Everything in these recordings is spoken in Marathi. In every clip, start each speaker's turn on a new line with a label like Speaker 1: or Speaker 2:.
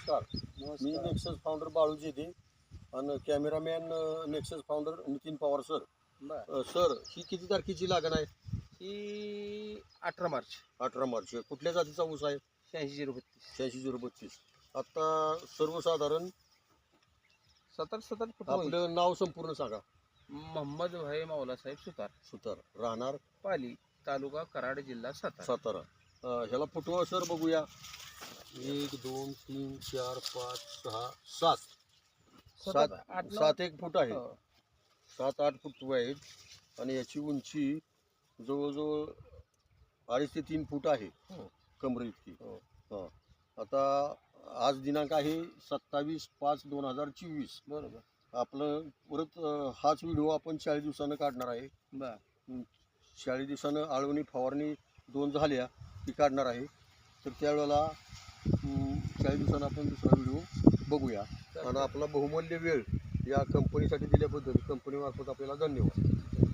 Speaker 1: नमस्कार. मी नेक्सस फाउंडर बाळू जेदे आणि cameraman Nexus founder Nitin Pawar sir. Sir, ही किती तारखेची लागण आहे?
Speaker 2: ही 18 मार्च.
Speaker 1: 18 मार्च. कुठल्या जातीचा ऊस आहे?
Speaker 2: 86-032.
Speaker 1: 86-032. आता सर्वसाधारण
Speaker 2: 70 फुट होईल.
Speaker 1: आपलं नाव संपूर्ण सांगा.
Speaker 2: मोहम्मद भाई मावलासाहेब सुतार,
Speaker 1: सुतार, राहणार
Speaker 2: पाली, तालुका कराड, जिल्हा सातारा.
Speaker 1: सातारा. ह्याला फुटवा सर बघूया. 1 2 3 4 5 6 7 7 1 फूट आहे. 7-8 फूट आहेत आणि याची उंची जवळजवळ 2.5 ते 3 फूट आहे. कमरे इतकी. हां. आता आज दिनांक आहे 27/5/2024.
Speaker 2: बरोबर.
Speaker 1: आपलं परत हाच व्हिडिओ आपण 40 दिवसानं काढणार आहे. 40 दिवसानं आळवणी फवारणी 2 झाल्या ती काढणार आहे. तर त्यावेळेला 40 दिवसानं आपण दुसरा व्हिडिओ बघूया. आणि आपला बहुमूल्य वेळ या कंपनीसाठी दिल्याबद्दल कंपनीमार्फत आपल्याला धन्यवाद.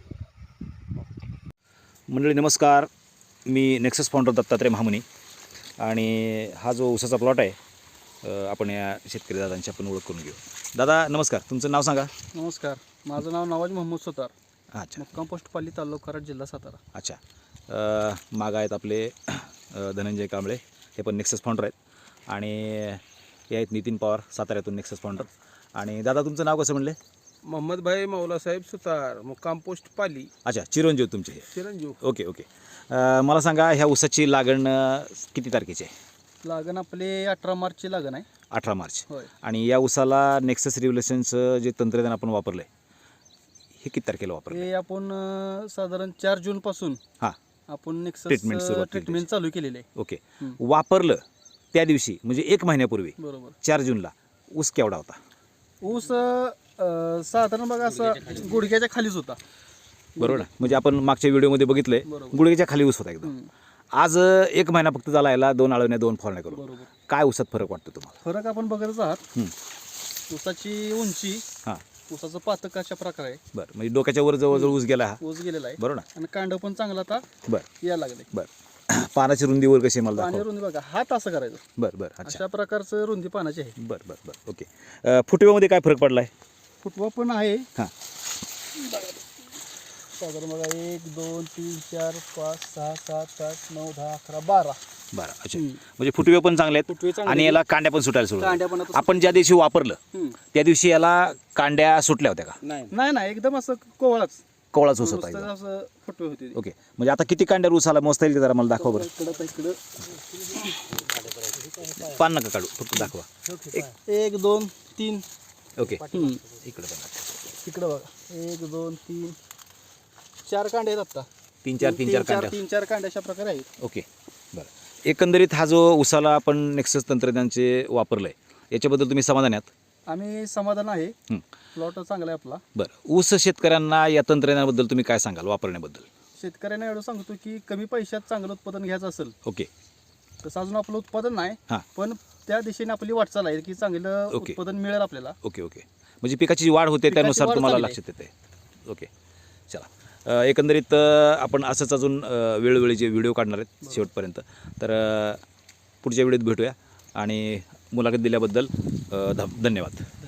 Speaker 3: मंडळी नमस्कार. मी नेक्सस फाउंडर दत्तात्रय महामुनी आणि हा जो ऊसाचा प्लॉट आहे आपण या शेतकरी दादांची आपण ओळख करून घेऊ. दादा नमस्कार, तुमचं नाव सांगा.
Speaker 4: नमस्कार, माझं नाव नवाज मोहम्मद सुतार,
Speaker 3: अच्छा.
Speaker 4: मुक्काम पोस्ट पाली, तालुका कराड, जिल्हा सातारा.
Speaker 3: अच्छा. माग आहेत आपले धनंजय कांबळे, हे पण नेक्सस फाउंडर आहेत. आणि हे आहेत नितीन पवार, साताऱ्यातून नेक्सस फाउंडर. आणि दादा तुमचं नाव कसं म्हणले?
Speaker 2: मोहम्मद भाई मावलासाहेब सुतार, मुक्काम पोस्ट पाली.
Speaker 3: अच्छा, चिरंजीव तुमचे हे.
Speaker 2: चिरंजीव.
Speaker 3: Okay okay. मला सांगा ह्या ऊसाची लागण किती तारखेची आहे?
Speaker 4: लागण आपली 18 मार्चची लागण आहे.
Speaker 3: 18 मार्च.
Speaker 4: होय.
Speaker 3: आणि या ऊसाला नेक्सस रिव्होल्युशनचं जे तंत्रज्ञान आपण वापरलं आहे हे किती तारखेला वापरलं?
Speaker 4: हे आपण साधारण 4 जून पासून
Speaker 3: हां
Speaker 4: आपण नेक्सस
Speaker 3: ट्रीटमेंट
Speaker 4: ट्रीटमेंट चालू केलेली आहे.
Speaker 3: ओके. वापरलं त्या दिवशी म्हणजे 1 महिन्यापूर्वी
Speaker 4: बरोबर.
Speaker 3: 4 जूनला ऊस केवढा होता?
Speaker 4: ऊस साधारण बघा असं गुडघ्याच्या खालीच होता.
Speaker 3: बरोबर ना? म्हणजे आपण मागच्या व्हिडिओमध्ये बघितलंय
Speaker 4: बरोबर.
Speaker 3: गुडघ्याच्या खाली ऊस होता एकदम. आज 1 महिना फक्त झाला याला 2 आळवण्या 2 फवारण्या करून.
Speaker 4: बरोबर.
Speaker 3: काय ऊसात फरक वाटतो तुम्हाला?
Speaker 4: फरक आपण बघतच आहात. ऊसाची उंची,
Speaker 3: हां
Speaker 4: ऊसाचं पातक अशा प्रकारे आहे.
Speaker 3: बरं, म्हणजे डोक्याच्या वर जवळजवळ ऊस गेला हा.
Speaker 4: ऊस गेलेला आहे.
Speaker 3: बरोबर ना?
Speaker 4: आणि कांड पण चांगला आता
Speaker 3: बरं
Speaker 4: यायला लागले.
Speaker 3: बरं. पानाची रुंदीवर कशी आहे मला
Speaker 4: पाणी
Speaker 3: दाखवा.
Speaker 4: रुंदी बघा, हात असं करायचं.
Speaker 3: बरं बरं. अच्छा.
Speaker 4: अशा प्रकारचं रुंदी पानाची आहे.
Speaker 3: बरं बरं बरं. ओके. फुटव्यामध्ये काय फरक पडला आहे?
Speaker 4: फुटवा पण आहे.
Speaker 3: हां.
Speaker 4: साधारण बघा 1 2 3 4 5 6 7 8 9 10 11 12.
Speaker 3: बरं. अच्छा. म्हणजे फुटवे पण चांगले
Speaker 4: फुटवे
Speaker 3: आहेत
Speaker 4: चांगले
Speaker 3: आणि याला कांड्या पण सुटायला सुरू
Speaker 4: कांड्या पण
Speaker 3: झाल्या.
Speaker 4: आता
Speaker 3: आपण ज्या दिवशी वापरलं त्या दिवशी याला कांड्या सुटल्या होत्या का?
Speaker 4: नाही नाही एकदम असं कोवळाच
Speaker 3: कोवळाच ऊस होता
Speaker 4: नुसतं
Speaker 3: एकदम.
Speaker 4: असं फुटवे होते.
Speaker 3: ओके. म्हणजे आता किती कांड्या ऊस आला मोजता येईल का जरा मला दाखवा बरं.
Speaker 4: इकडं
Speaker 3: पान नका काढू, फक्त दाखवा.
Speaker 4: 1 2 3.
Speaker 3: ओके. इकडे पण
Speaker 4: इकडं बघा 1 2 3 4 कांडे आहेत आता.
Speaker 3: 3-4 कांड्या.
Speaker 4: 3-4 कांडे अशा प्रकारे आहेत.
Speaker 3: ओके. बरं. एकंदरीत हा जो ऊसाला आपण नेक्सस तंत्रज्ञानचे वापरलं आहे याच्याबद्दल तुम्ही समाधान आहात?
Speaker 4: आम्ही समाधान आहे. प्लॉट चांगला आहे आपला.
Speaker 3: बरं. ऊस शेतकऱ्यांना या तंत्रज्ञानाबद्दल तुम्ही काय सांगाल वापरण्याबद्दल?
Speaker 4: शेतकऱ्यांना एवढं सांगतो की कमी पैशात चांगलं उत्पादन घ्यायचं असेल
Speaker 3: ओके.
Speaker 4: तसं अजून आपलं उत्पादन नाही,
Speaker 3: हां.
Speaker 4: पण त्या दिशेने आपली वाटचाल आहे की चांगलं
Speaker 3: ओके.
Speaker 4: उत्पादन मिळेल आपल्याला.
Speaker 3: Okay okay. म्हणजे पिकाची जी वाढ होते
Speaker 4: पिकाची
Speaker 3: त्यानुसार
Speaker 4: वाढ
Speaker 3: तुम्हाला
Speaker 4: चांगली
Speaker 3: लक्षात येते. ओके. चला. एकंदरीत आपण असंच अजून वेळोवेळीचे व्हिडिओ काढणार आहेत शेवटपर्यंत. तर पुढच्या व्हिडिओत भेटूया आणि मुलाखत दिल्याबद्दल धन्यवाद.